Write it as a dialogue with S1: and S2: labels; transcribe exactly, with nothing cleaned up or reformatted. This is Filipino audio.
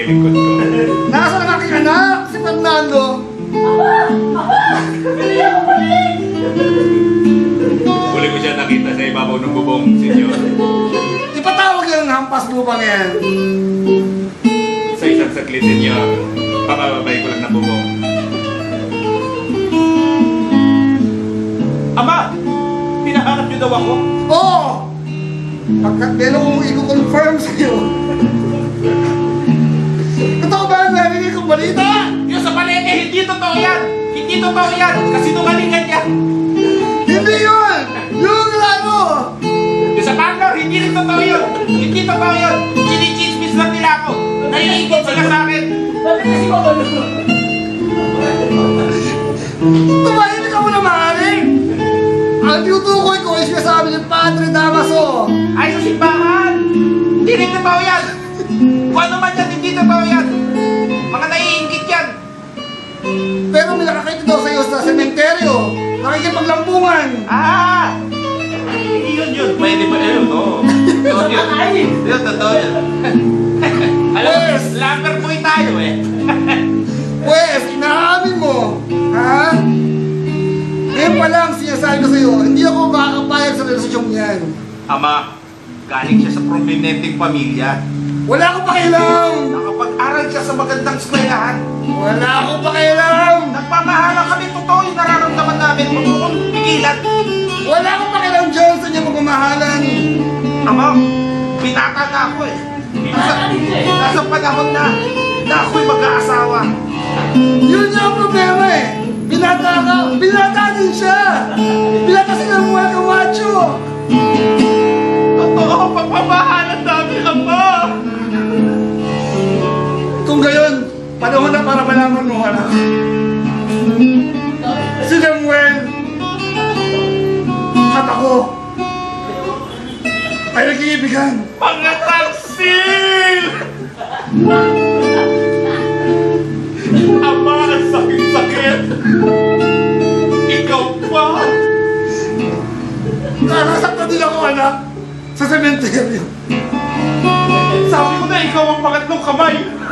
S1: nililingkod ko.
S2: Nasaan ang aking anak? Si Fernando.
S3: Aba! Aba! Hindi ako balik!
S1: Huli ko siya nakita sa ibabaw ng bubong, senyor.
S2: Ipatawag yung hampas lupang yan.
S1: Sa isang saglit, senyor, papababay ko lang na bubong.
S4: Ama! Pinahanap niyo daw ako?
S2: Oo! Pagkat meron kong i-confirm sa'yo. Totoo ba ang narinig kong balita?
S4: Yung sa palengke, hindi totoo yan! Hindi totoo yan! Kasinungalingan yan!
S2: Hindi yun! Yung ano!
S4: Yung sa Bangalore, hindi rin totoo yun! Hindi totoo yun! Sinichismis lang nila ako! Naiingit sila sa akin!
S3: Bakit kasi ko ano?
S2: Tumahimik ka muna, maaaring! Ang tinutukoy ko ay sinasabi ng Padre Damaso.
S4: Ay, sa simbahan! Hindi rin totoo yan! Kung ano man yan, hindi totoo yan! Mga naiingit yan!
S2: Pero may nakakita daw sa'yo sa sementeryo. Nakikipaglampungan.
S4: Ah! Hindi yun yun! Pwede ba yun? Oo. Totoo yun.
S3: Ay!
S4: Yun, totoo yun. Alam mo,
S2: Yes.
S4: slumber boy tayo eh.
S2: Pwes, inaamin mo. Ha? Ngayon pa lang sinasabi ko sa'yo, hindi ako makakapayag sa relasyong yan.
S4: Ama, galing siya sa prominenteng pamilya.
S2: Wala akong pakialam.
S4: Nakapag-aral siya sa magandang eskwelahan.
S2: Wala akong pakialam.
S4: Nagmamahalan kami, totoo yung nararamdaman namin. Huwag mo kong pigilan.
S2: Wala akong pakialam dyan sa inyong pagmamahalan.
S4: Ama, binata na ako eh. Nasa, nasa panahon na, na ako'y mag-aasawa.
S2: Yun nga ang problema eh. Binata ka. Binata din siya. Binata sila ng mga kamacho.
S4: Totoo, pagmamahalan namin, Ama.
S2: Kung gayon, panahon na para malaman mo, anak. Si Samuel at ako ay nag-iibigan.
S4: Mga taksil! Ama, ang sakit-sakit! Ikaw pa!
S2: Nakasaktan din ako, anak, sa sementeryo.
S4: Sabi ko na ikaw ang pangatlong kamay!